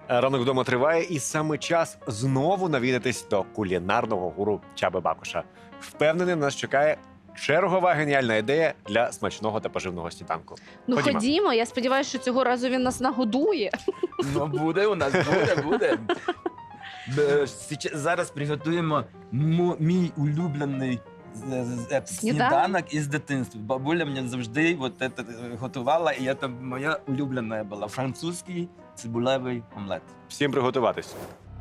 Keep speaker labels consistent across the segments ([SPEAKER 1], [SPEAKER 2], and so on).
[SPEAKER 1] Ранок вдома триває, і саме час знову навідатись до кулінарного гуру Чаби Бакуша. Впевнений, нас чекає чергова геніальна ідея для смачного та поживного сніданку.
[SPEAKER 2] Ну
[SPEAKER 1] Ходімо.
[SPEAKER 2] ходімо, я сподіваюся, що цього разу він нас нагодує.
[SPEAKER 3] Ну, буде у нас, буде. Зараз приготуємо мій улюблений сніданок із дитинства. Бабуля мені завжди це готувала, і це моя улюблена була. Французький цибулевий омлет.
[SPEAKER 1] Всім приготуватись.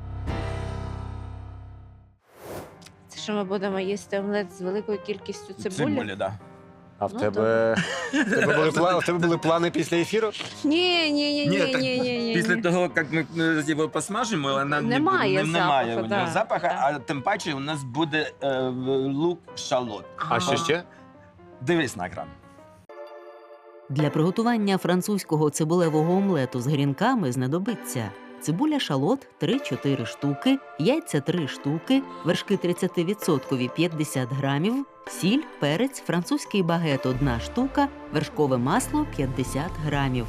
[SPEAKER 2] Це що ми будемо їсти омлет з великою кількістю цибулі?
[SPEAKER 3] Цибулі, так.
[SPEAKER 1] А в
[SPEAKER 2] Ну,
[SPEAKER 1] тебе, в тебе були плани після ефіру?
[SPEAKER 2] Ні.
[SPEAKER 3] Після того, як ми його посмажимо, вона
[SPEAKER 2] Немає
[SPEAKER 3] немає
[SPEAKER 2] запаху,
[SPEAKER 3] у нього
[SPEAKER 2] да.
[SPEAKER 3] запаху,
[SPEAKER 2] Да.
[SPEAKER 3] а тим паче у нас буде лук-шалот.
[SPEAKER 1] А що ще?
[SPEAKER 3] Дивись на екран.
[SPEAKER 4] Для приготування французького цибулевого омлету з грінками знадобиться цибуля шалот 3-4 штуки, яйця 3 штуки, вершки 30% 50 грамів, сіль, перець, французький багет 1 штука, вершкове масло 50 грамів.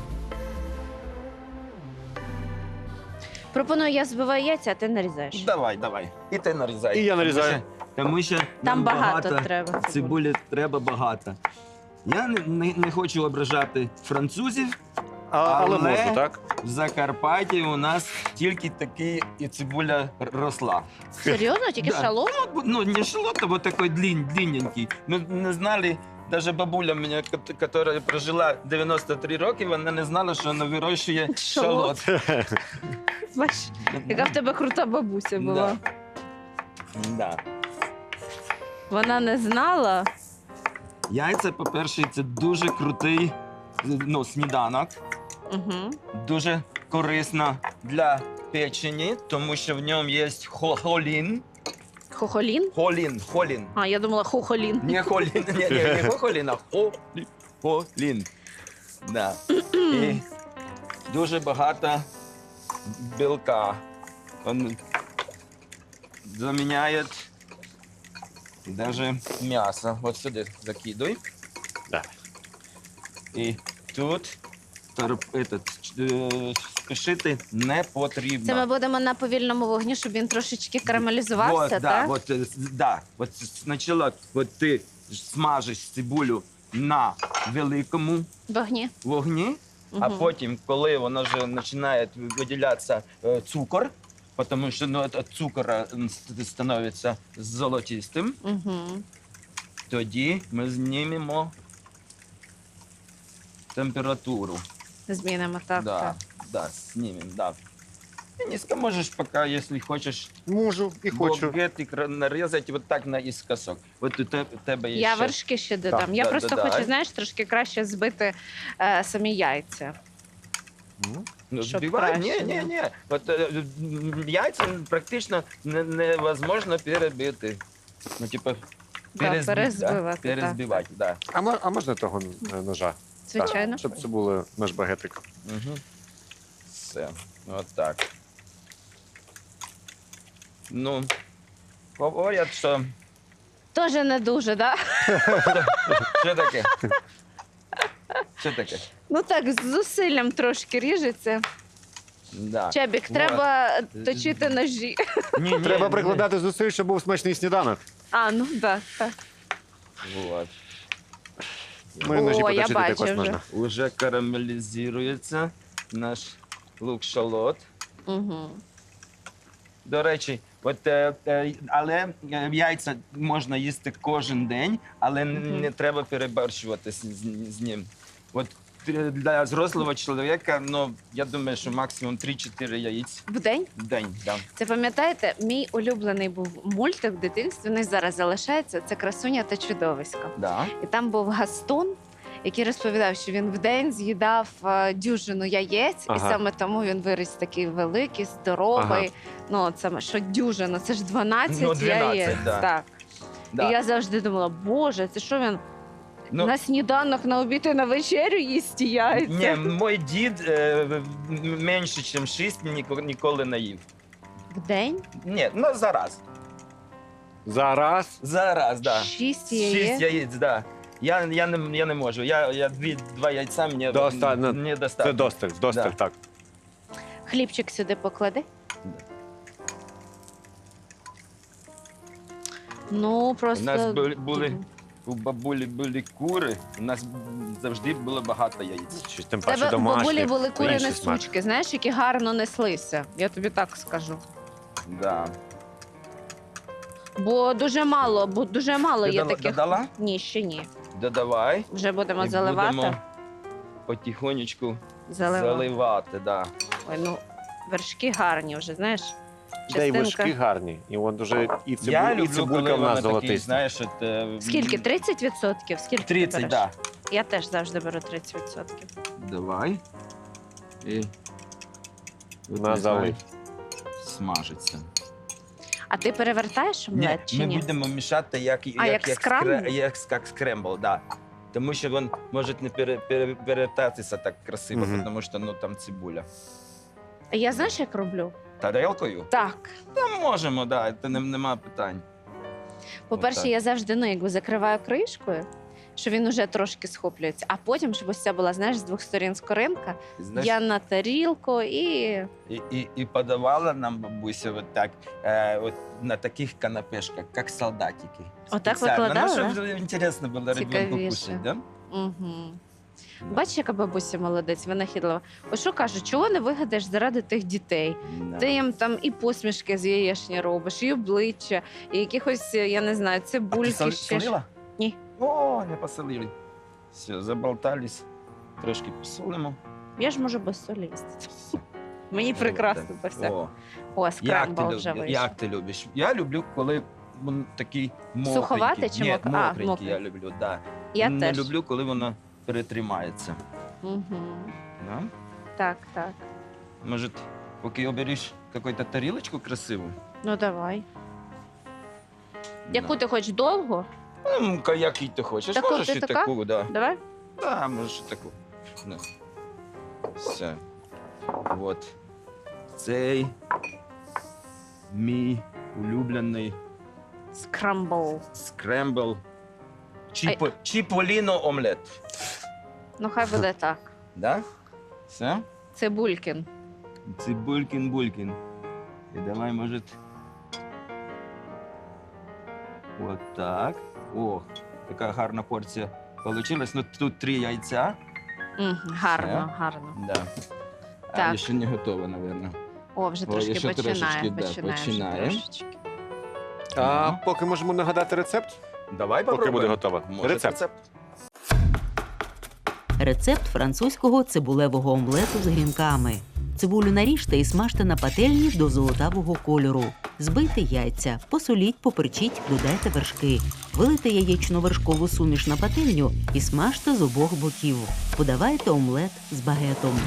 [SPEAKER 2] Пропоную, я збиваю яйця, а ти нарізаєш.
[SPEAKER 3] Давай. І ти нарізай.
[SPEAKER 1] І я нарізаю.
[SPEAKER 3] Тому що
[SPEAKER 2] Там
[SPEAKER 3] нам
[SPEAKER 2] багато треба.
[SPEAKER 3] цибулі треба багато. Я не хочу ображати французів.
[SPEAKER 1] Але
[SPEAKER 3] Але-
[SPEAKER 1] можу, так?
[SPEAKER 3] В Закарпатті у нас тільки такі і цибуля росла.
[SPEAKER 2] Серйозно? Тільки
[SPEAKER 3] Да.
[SPEAKER 2] шалом?
[SPEAKER 3] Ну, не шалот, а вот такой длинненький. Ми не знали, навіть бабуля мене, яка прожила 93 роки, вона не знала, що вона вирощує
[SPEAKER 2] Шалот.
[SPEAKER 3] шалот.
[SPEAKER 2] Бач, яка в тебе крута бабуся була.
[SPEAKER 3] Да.
[SPEAKER 2] Вона не знала.
[SPEAKER 3] Яйця, по-перше, це дуже крутий сніданок.
[SPEAKER 2] Угу.
[SPEAKER 3] Дуже корисно для печені, тому що в ньому є холін.
[SPEAKER 2] Хохолін?
[SPEAKER 3] Холін.
[SPEAKER 2] А, я думала хохолін.
[SPEAKER 3] Не холін, не хохолін, а холін. Да. І дуже багато білка. Він заміняє навіть м'ясо. От сюди закидуй.
[SPEAKER 1] Да.
[SPEAKER 3] І тут спішити не потрібно.
[SPEAKER 2] Це ми будемо на повільному вогні, щоб він трошечки карамелізувався, так?
[SPEAKER 3] Вот спочатку ти смажиш цибулю на великому
[SPEAKER 2] Вогні.
[SPEAKER 3] вогні, а
[SPEAKER 2] Мгм.
[SPEAKER 3] потім, коли воно вже починає виділятися цукор, тому що від цукора становиться золотистим,
[SPEAKER 2] Угу.
[SPEAKER 3] тоді ми знімемо температуру.
[SPEAKER 2] Змінимо, так. так.
[SPEAKER 3] Знімемо, да. Ты низко можешь пока, если хочешь,
[SPEAKER 1] Можу і хочу.
[SPEAKER 3] багетик нарізати вот так наискосок. Вот у тебе є
[SPEAKER 2] Я
[SPEAKER 3] ще.
[SPEAKER 2] вершки ще додам. Я
[SPEAKER 3] да,
[SPEAKER 2] просто
[SPEAKER 3] додай.
[SPEAKER 2] хочу, знаєш, трошки краще збити самі яйця.
[SPEAKER 3] Ну,
[SPEAKER 2] щоб
[SPEAKER 3] збивай.
[SPEAKER 2] краще
[SPEAKER 3] Ні. От яйця практично невозможно перебити. Ну, типу,
[SPEAKER 2] перезбивати,
[SPEAKER 3] перезбивати, да.
[SPEAKER 1] А можна того ножа?
[SPEAKER 2] Звичайно.
[SPEAKER 1] Так, щоб це було наш багетик.
[SPEAKER 3] Угу. Все, от так. Ну, говорять, що...
[SPEAKER 2] Тоже не дуже, так?
[SPEAKER 3] Що таке? Що таке?
[SPEAKER 2] Ну так, з зусиллям трошки ріжеться.
[SPEAKER 3] Да.
[SPEAKER 2] Чебік,
[SPEAKER 3] Вот.
[SPEAKER 2] треба точити ножі.
[SPEAKER 3] Ні,
[SPEAKER 1] Треба прикладати зусиль, щоб був смачний сніданок.
[SPEAKER 2] А, ну так.
[SPEAKER 3] Вот.
[SPEAKER 1] Мої ножі
[SPEAKER 2] О, я
[SPEAKER 1] поточити
[SPEAKER 2] бачу
[SPEAKER 1] також
[SPEAKER 2] вже.
[SPEAKER 1] можна.
[SPEAKER 3] Уже карамелізується наш лук-шалот.
[SPEAKER 2] Угу.
[SPEAKER 3] До речі, але яйця можна їсти кожен день, але не треба переборщувати з ним. От для взрослого чоловіка, ну, я думаю, що максимум 3-4 яєць
[SPEAKER 2] В день?
[SPEAKER 3] в день. Да.
[SPEAKER 2] Це пам'ятаєте, мій улюблений був мультик в дитинстві, він і зараз залишається, це «Красуня та чудовисько».
[SPEAKER 3] Да.
[SPEAKER 2] І там був Гастун, який розповідав, що він вдень з'їдав дюжину яєць, і
[SPEAKER 1] Ага.
[SPEAKER 2] саме тому він виріс такий великий, здоровий. Ну, от саме, що дюжина, це ж 12,
[SPEAKER 3] Ну, 12,
[SPEAKER 2] яєць.
[SPEAKER 3] да.
[SPEAKER 2] Так.
[SPEAKER 3] Да.
[SPEAKER 2] І я завжди думала, боже, це що він
[SPEAKER 3] Ну,
[SPEAKER 2] на сніданок, на обід і на вечерю їсть ті яйця?
[SPEAKER 3] ні, мій дід менше, ніж 6 ніколи не їв.
[SPEAKER 2] Вдень?
[SPEAKER 3] Ні, ну зараз.
[SPEAKER 1] Зараз.
[SPEAKER 3] Зараз, да.
[SPEAKER 2] 6
[SPEAKER 3] 6
[SPEAKER 2] яєць?
[SPEAKER 3] яєць, да. Я не можу. Я 2 яйця мені
[SPEAKER 1] Достатньо.
[SPEAKER 3] не достатньо.
[SPEAKER 1] Це досталь,
[SPEAKER 3] Да.
[SPEAKER 1] так.
[SPEAKER 2] Хлібчик сюди поклади. Ну,
[SPEAKER 3] У
[SPEAKER 2] просто...
[SPEAKER 3] нас у бабулі були кури, у нас завжди було багато яєць.
[SPEAKER 1] Щось тим
[SPEAKER 2] В
[SPEAKER 1] паче
[SPEAKER 2] тебе у бабулі
[SPEAKER 1] домашнє.
[SPEAKER 2] були кури
[SPEAKER 1] інший смак.
[SPEAKER 2] несучки, знаєш, які гарно неслися. Я тобі так скажу.
[SPEAKER 3] Да.
[SPEAKER 2] Бо дуже мало
[SPEAKER 3] Ти
[SPEAKER 2] є
[SPEAKER 3] дала-
[SPEAKER 2] таких.
[SPEAKER 3] додала?
[SPEAKER 2] Ні, ще ні.
[SPEAKER 3] Додавай.
[SPEAKER 2] Вже будемо
[SPEAKER 3] І
[SPEAKER 2] заливати.
[SPEAKER 3] будемо потихонечку
[SPEAKER 2] Заливати.
[SPEAKER 3] заливати, да.
[SPEAKER 2] Ой, ну, вершки гарні вже, знаєш.
[SPEAKER 1] Та й
[SPEAKER 2] Частинка.
[SPEAKER 1] вишки гарні. І от дуже і
[SPEAKER 3] Я
[SPEAKER 1] і
[SPEAKER 3] люблю,
[SPEAKER 1] цибулька
[SPEAKER 3] коли
[SPEAKER 1] в нас
[SPEAKER 3] вони такі,
[SPEAKER 1] золотиста.
[SPEAKER 3] знаєш,
[SPEAKER 2] Скільки? 30%? Скільки ти
[SPEAKER 3] 30,
[SPEAKER 2] береш?
[SPEAKER 3] да.
[SPEAKER 2] Я теж завжди беру 30%.
[SPEAKER 3] Давай. І от
[SPEAKER 1] На
[SPEAKER 3] нехай
[SPEAKER 1] залив.
[SPEAKER 3] смажиться.
[SPEAKER 2] А ти перевертаєш омлет чи
[SPEAKER 3] ми
[SPEAKER 2] ні?
[SPEAKER 3] будемо мішати як
[SPEAKER 2] скрамбл?
[SPEAKER 3] як скрембл, да. Тому що він може не перевертатися так красиво,
[SPEAKER 1] Мгм.
[SPEAKER 3] тому що ну, там цибуля.
[SPEAKER 2] А я знаєш, як роблю?
[SPEAKER 3] Тарелкою?
[SPEAKER 2] Так.
[SPEAKER 3] Та можемо, да, це нема питань.
[SPEAKER 2] По-перше,
[SPEAKER 3] Отак.
[SPEAKER 2] я завжди якби закриваю кришкою, що він уже трошки схоплюється. А потім, щоб ось ця була, знаєш, з двох сторін скоринка,
[SPEAKER 3] Знаєш,
[SPEAKER 2] я на тарілку і
[SPEAKER 3] і подавала нам бабуся от так, от на таких канапешках, як солдатики.
[SPEAKER 2] Отак
[SPEAKER 3] Спеціально.
[SPEAKER 2] викладала,
[SPEAKER 3] Ну, щоб інтересно було ребенку
[SPEAKER 2] Цікавіше.
[SPEAKER 3] кушати, да?
[SPEAKER 2] Угу. Бачиш, яка бабуся молодець, винахідлива. Ось що кажу, чого не вигадаєш заради тих дітей?
[SPEAKER 3] Да.
[SPEAKER 2] Ти їм там і посмішки з яєчні робиш, і обличчя, і якихось, я не знаю,
[SPEAKER 3] А
[SPEAKER 2] цибульки
[SPEAKER 3] ти
[SPEAKER 2] ще.
[SPEAKER 3] солила?
[SPEAKER 2] Ні.
[SPEAKER 3] О, не посолили. Все, заболтались. Трошки посолимо.
[SPEAKER 2] Я ж можу без солі їсти. Мені
[SPEAKER 3] О,
[SPEAKER 2] прекрасно
[SPEAKER 3] так.
[SPEAKER 2] без всякого.
[SPEAKER 3] О,
[SPEAKER 2] О,
[SPEAKER 3] як
[SPEAKER 2] скрамбл
[SPEAKER 3] ти,
[SPEAKER 2] вже
[SPEAKER 3] любиш?
[SPEAKER 2] вийшов.
[SPEAKER 3] Як ти любиш? Я люблю, коли він такий мокренький.
[SPEAKER 2] Суховатий чи
[SPEAKER 3] Ні,
[SPEAKER 2] мокрий? А,
[SPEAKER 3] мокренький
[SPEAKER 2] мокрий.
[SPEAKER 3] я люблю, да.
[SPEAKER 2] Я
[SPEAKER 3] Не
[SPEAKER 2] теж.
[SPEAKER 3] люблю, коли воно перетримається.
[SPEAKER 2] Угу.
[SPEAKER 3] Да?
[SPEAKER 2] Так, так.
[SPEAKER 3] Може, поки обереш якусь тарілочку красиву?
[SPEAKER 2] Ну давай. Яку ти хочеш довго?
[SPEAKER 3] Ну, який ти хочеш.
[SPEAKER 2] Таку,
[SPEAKER 3] Можеш
[SPEAKER 2] ти
[SPEAKER 3] і
[SPEAKER 2] така?
[SPEAKER 3] таку, да.
[SPEAKER 2] Давай.
[SPEAKER 3] Да, можеш і таку. Да. Все. От. Цей мій улюблений
[SPEAKER 2] Скрамбл.
[SPEAKER 3] скрембл. Чіполіно омлет.
[SPEAKER 2] Ну хай буде так.
[SPEAKER 3] Да? Все?
[SPEAKER 2] Цибулькін.
[SPEAKER 3] Цибулькін-булькін. І давай, може. От так. О, така гарна порція получилась. Ну, тут 3 яйця.
[SPEAKER 2] Гарно, гарно.
[SPEAKER 3] Да.
[SPEAKER 2] Так.
[SPEAKER 3] А ще не готово, мабуть.
[SPEAKER 2] О, вже
[SPEAKER 3] О,
[SPEAKER 2] трошки
[SPEAKER 3] ще
[SPEAKER 2] починає.
[SPEAKER 3] трошечки, да,
[SPEAKER 2] Починає вже
[SPEAKER 3] починає.
[SPEAKER 2] трошечки.
[SPEAKER 1] А поки можемо нагадати рецепт,
[SPEAKER 3] Давай
[SPEAKER 1] поки
[SPEAKER 3] попробуємо.
[SPEAKER 1] буде готово.
[SPEAKER 3] Може,
[SPEAKER 1] Рецепт.
[SPEAKER 4] Рецепт французького цибулевого омлету з грінками. Цибулю наріжте і смажте на пательні до золотавого кольору. Збийте яйця, посоліть, поперчіть, додайте вершки. Вилийте яєчно-вершкову суміш на пательню і смажте з обох боків. Подавайте омлет з багетом.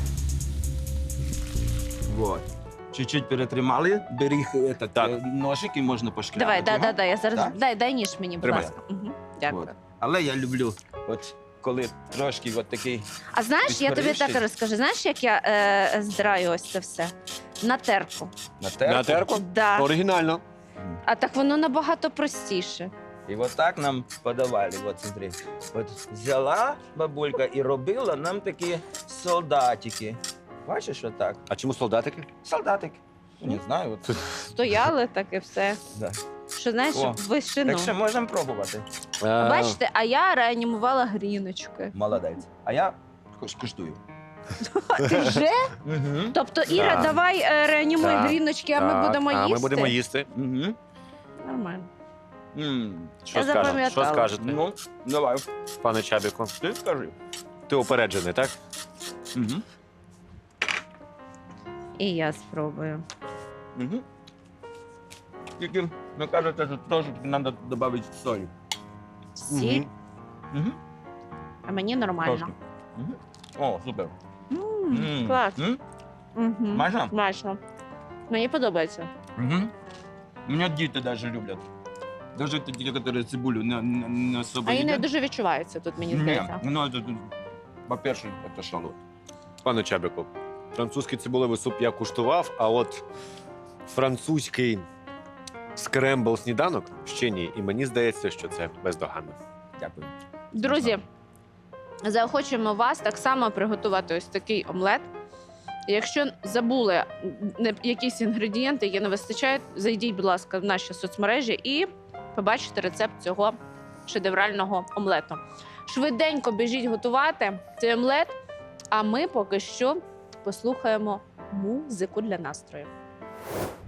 [SPEAKER 3] Вот. Чуть-чуть перетримали, бери
[SPEAKER 1] Так.
[SPEAKER 3] ножик і можна пошкрябати.
[SPEAKER 2] Давай,
[SPEAKER 3] його.
[SPEAKER 2] да. Я зараз
[SPEAKER 3] Так?
[SPEAKER 2] дай ніж мені, будь
[SPEAKER 1] Тримай.
[SPEAKER 2] ласка. Дякую.
[SPEAKER 3] От. Але я люблю, от коли трошки от такий
[SPEAKER 2] А знаєш, я тобі так
[SPEAKER 3] Підпоріжчий.
[SPEAKER 2] розкажу. Знаєш, як я здраю ось це все? На терку.
[SPEAKER 3] на терку.
[SPEAKER 1] на терку.
[SPEAKER 2] Да.
[SPEAKER 1] Оригінально.
[SPEAKER 2] А так воно набагато простіше.
[SPEAKER 3] І от так нам подавали. От смотри. От взяла бабулька і робила нам такі солдатики. Бачиш, отак?
[SPEAKER 1] А чому солдатики?
[SPEAKER 3] Солдатик. Не знаю. От.
[SPEAKER 2] Стояли так і все.
[SPEAKER 3] Да.
[SPEAKER 2] Що знаєш,
[SPEAKER 3] О,
[SPEAKER 2] вишину.
[SPEAKER 3] Так що можемо пробувати.
[SPEAKER 2] Бачите, а я реанімувала гріночки.
[SPEAKER 3] Молодець. А я куштую.
[SPEAKER 2] Ти вже?
[SPEAKER 3] Угу.
[SPEAKER 2] Тобто, Іра,
[SPEAKER 1] Так.
[SPEAKER 2] давай реанімуй
[SPEAKER 1] Так,
[SPEAKER 2] гріночки, а ми
[SPEAKER 1] Так,
[SPEAKER 2] будемо їсти.
[SPEAKER 1] А ми будемо їсти.
[SPEAKER 3] Угу.
[SPEAKER 2] Нормально.
[SPEAKER 1] Що
[SPEAKER 2] Я
[SPEAKER 1] скажете? Що
[SPEAKER 2] запам'ятала.
[SPEAKER 1] скажете,
[SPEAKER 3] Ну, давай.
[SPEAKER 1] пане Чабіку?
[SPEAKER 3] Ти скажи.
[SPEAKER 1] Ти упереджений, так?
[SPEAKER 3] Угу.
[SPEAKER 2] І я спробую.
[SPEAKER 3] Угу. Тільки, ви кажете, що трошки треба додати солі.
[SPEAKER 2] Сіль,
[SPEAKER 3] Угу.
[SPEAKER 2] а мені нормально.
[SPEAKER 3] Трошки. Угу. О, супер.
[SPEAKER 2] Клас. Угу.
[SPEAKER 3] Майже?
[SPEAKER 2] Смачно. Мені подобається.
[SPEAKER 3] Угу. Мене діти навіть люблять. Даже ті, які цибулю не особо
[SPEAKER 2] А її не
[SPEAKER 3] їдять.
[SPEAKER 2] дуже відчувається тут, мені
[SPEAKER 3] Ні,
[SPEAKER 2] здається.
[SPEAKER 3] ну, це, по-перше, це шалот.
[SPEAKER 1] Пане Чабіку, французький цибулевий суп я куштував, а от французький скрембл сніданок ще ні. І мені здається, що це бездоганно.
[SPEAKER 3] Дякую.
[SPEAKER 2] Друзі, заохочуємо вас так само приготувати ось такий омлет. Якщо забули якісь інгредієнти, які не вистачають, зайдіть, будь ласка, в наші соцмережі і побачите рецепт цього шедеврального омлету. Швиденько біжіть готувати цей омлет, а ми поки що послухаємо музику для настрою.